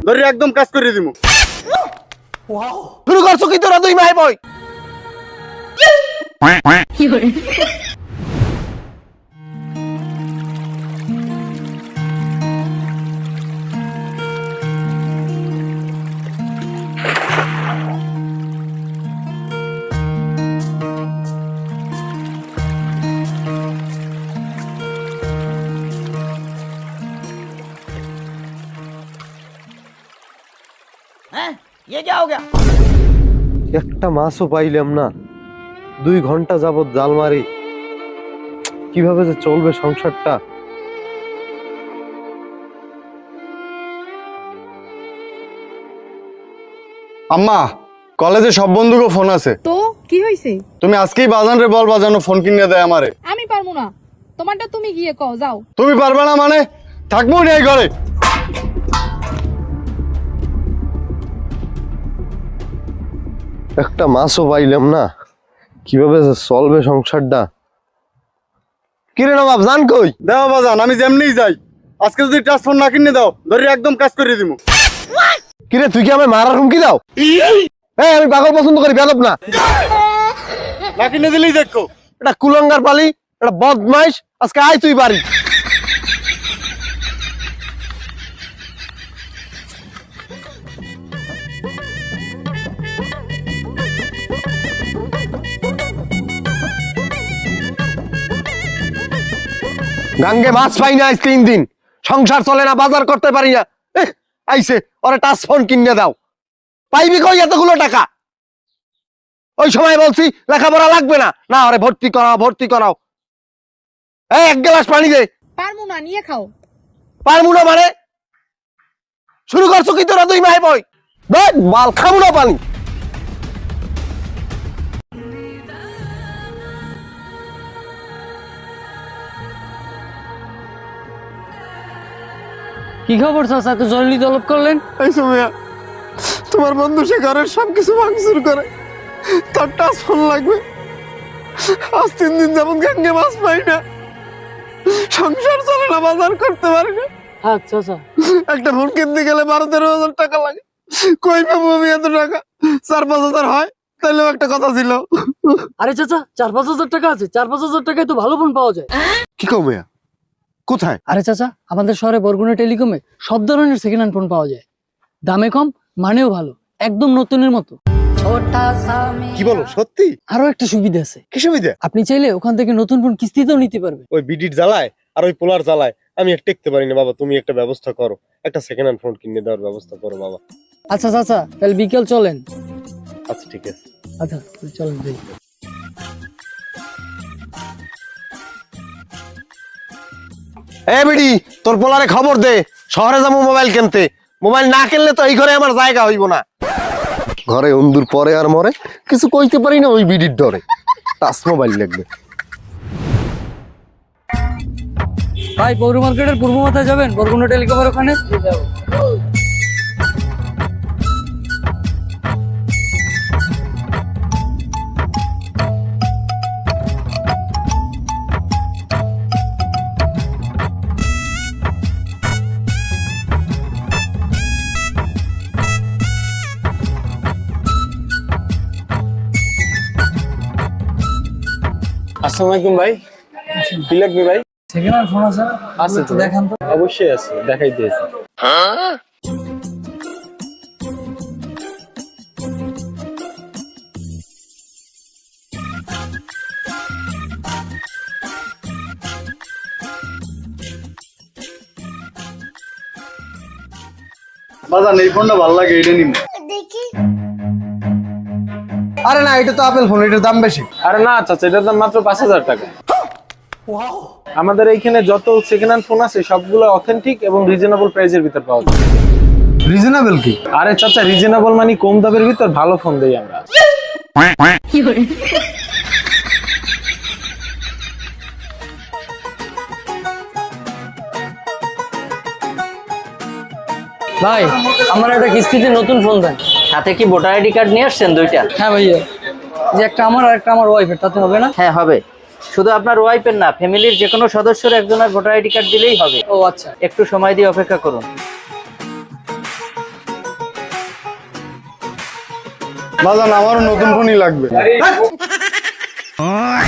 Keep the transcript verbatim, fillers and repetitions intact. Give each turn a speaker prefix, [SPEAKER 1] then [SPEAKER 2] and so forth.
[SPEAKER 1] ধরে একদম কাজ করে দিমু।
[SPEAKER 2] ওয়াও শুরু করছো কি তোরা দুই ভাই বই?
[SPEAKER 3] কি করে
[SPEAKER 4] ये क्या हो गया?
[SPEAKER 2] একটা মাছও পাইলাম না, দুই ঘন্টা যাবত জাল মারি, কিভাবে যে চলবে সংসারটা।
[SPEAKER 1] আম্মা কলেজে সব বন্ধুকে ফোন আছে,
[SPEAKER 5] তো কি হইছে?
[SPEAKER 1] তুমি আজকেই বাজান রে বল বাজানো ফোন কিনে দেয় আমারে।
[SPEAKER 5] আমি পারবো না, তোমারটা তুমি গিয়ে কও যাও।
[SPEAKER 1] তুমি পারবে না মানে থাকবো নি এই ঘরে।
[SPEAKER 2] একটা মাছও পাইলাম না, কিভাবে যে চলবে সংসারটা। কিরে নবাব জান কই?
[SPEAKER 1] দেও বাজান, আমি যেমনি যাই আজকে যদি ট্রান্সফার না কিনে দাও ধরে একদম কাজ করে দিমু।
[SPEAKER 2] কিরে তুই কি আমায় মারার হুমকি দাও? এই আমি পাগল পছন্দ করি, বেয়াদব না।
[SPEAKER 1] না কিনে দিলেই দেখো।
[SPEAKER 2] এটা কুলঙ্গার পালি, এটা বদমাইশ, আজকে আয় তুই বাড়ি। গাঙ্গে মাছ পাই না আজ তিন দিন, সংসার চলে না, বাজার করতে পারি না। এহ, আইসে ওরে টাচ ফোন কিনে দাও। পাইবি কই এতগুলো টাকা? ওই সময় বলছি লেখাপড়া লাগবে না, না ওরে ভর্তি করাও ভর্তি করাও। এই এক গ্লাস পানি দে।
[SPEAKER 5] পারবো না, নিয়ে খাও।
[SPEAKER 2] পারবো না মানে শুরু করছো কি তোরা দুই ভাই বই? দেখ মাল খাবো না পানি।
[SPEAKER 4] কি খবর চাচা, এত জরুরি তলব করলেন?
[SPEAKER 2] এই সময় তোমার বন্ধু সে ঘরের সবকিছু ভাঙচুর করে, তার টাচ ফোন লাগবে। আজ তিন দিন যেমন গাঙ্গে মাছ পাই না, সংসার চলে না, বাজার করতে পারি না।
[SPEAKER 4] আচ্ছা আচ্ছা,
[SPEAKER 2] একটা ফোন কিনতে গেলে বারো তেরো হাজার টাকা লাগে। কই পাবো আমি এত টাকা? চার পাঁচ হাজার হয় তাইলেও একটা কথা ছিল।
[SPEAKER 4] আরে চাচা চার পাঁচ হাজার টাকা আছে, চার পাঁচ হাজার টাকায় তো ভালো ফোন পাওয়া যায়।
[SPEAKER 2] কি কমে কোথায়?
[SPEAKER 4] আরে চাচা আমাদের শহরে বরগুনা টেলিকমে সব ধরনের সেকেন্ড হ্যান্ড ফোন পাওয়া যায়, দামে কম মানেও ভালো, একদম নতুনের মতো।
[SPEAKER 2] কি বলো সত্যি?
[SPEAKER 4] আরো একটা সুবিধা আছে।
[SPEAKER 2] কি সুবিধা?
[SPEAKER 4] আপনি চাইলে ওখান থেকে নতুন ফোন কিস্তিতেও নিতে পারবে।
[SPEAKER 2] ওই বিডির জ্বালায় আর ওই পোলার জ্বালায় আমি আর টেকতে পারি না বাবা, তুমি একটা ব্যবস্থা করো, একটা সেকেন্ড হ্যান্ড ফোন কিনে দেওয়ার ব্যবস্থা করো বাবা।
[SPEAKER 4] আচ্ছা চাচা তাহলে বিকেল চলেন।
[SPEAKER 2] আচ্ছা ঠিক আছে।
[SPEAKER 4] আচ্ছা চলেন যাই।
[SPEAKER 2] এ বিডি তোর পোলারে খবর দে, শহরে যাবো মোবাইল কিনতে। মোবাইল না কিনলে তো এই ঘরে আমার জায়গা হইব না। ঘরে অন্দুর পরে আর মরে, কিছু কইতে পারি না ওই বিডির ডরে। টাচ মোবাইল লাগবে।
[SPEAKER 4] ভাই পৌর মার্কেটের পূর্ব মাথায় যাবেন, বরগুনা টেলিকমের ওখানে যাবো।
[SPEAKER 6] আসসালামু আলাইকুম ভাই, কি লাগবে ভাই?
[SPEAKER 4] সেকেন্ড হ্যান্ড ফোন আছে না?
[SPEAKER 6] আছে তো,
[SPEAKER 4] দেখান তো।
[SPEAKER 6] অবশ্যই আছে, দেখাই দিয়েছি।
[SPEAKER 1] বাজান এই ফোনটা ভালো লাগে, এটা নিন।
[SPEAKER 2] আরে না, এটা তো আপেল ফোন, এটার দাম বেশি।
[SPEAKER 6] আরে না চাচা, এটার দাম মাত্র পাঁচ হাজার টাকা। আমাদের এইখানে যত সেকেন্ড হ্যান্ড ফোন আছে সবগুলো অথেন্টিক এবং রিজনেবল প্রাইসের ভিতর পাওয়া যায়।
[SPEAKER 2] রিজনেবল কি?
[SPEAKER 6] আরে চাচা রিজনেবল মানে কম দামের ভিতর ভালো ফোন দেই আমরা।
[SPEAKER 3] কি করে
[SPEAKER 4] ভাই আমার একটা কিস্তিতে নতুন ফোন দেন।
[SPEAKER 7] সাথে কি ভোটার আইডি কার্ড নিয়ে আসছেন দুইটা?
[SPEAKER 4] হ্যাঁ ভাইয়া, যে একটা আমার আর একটা আমার ওয়াইফের, তাতে হবে না?
[SPEAKER 7] হ্যাঁ হবে, শুধু আপনার ওয়াইফের না, ফ্যামিলির যে কোনো সদস্যের একজনের ভোটার আইডি কার্ড দিলেই হবে।
[SPEAKER 4] ও আচ্ছা,
[SPEAKER 7] একটু সময় দিয়ে অপেক্ষা করুন।
[SPEAKER 1] বাজান আমারও নতুন ফোনই লাগবে।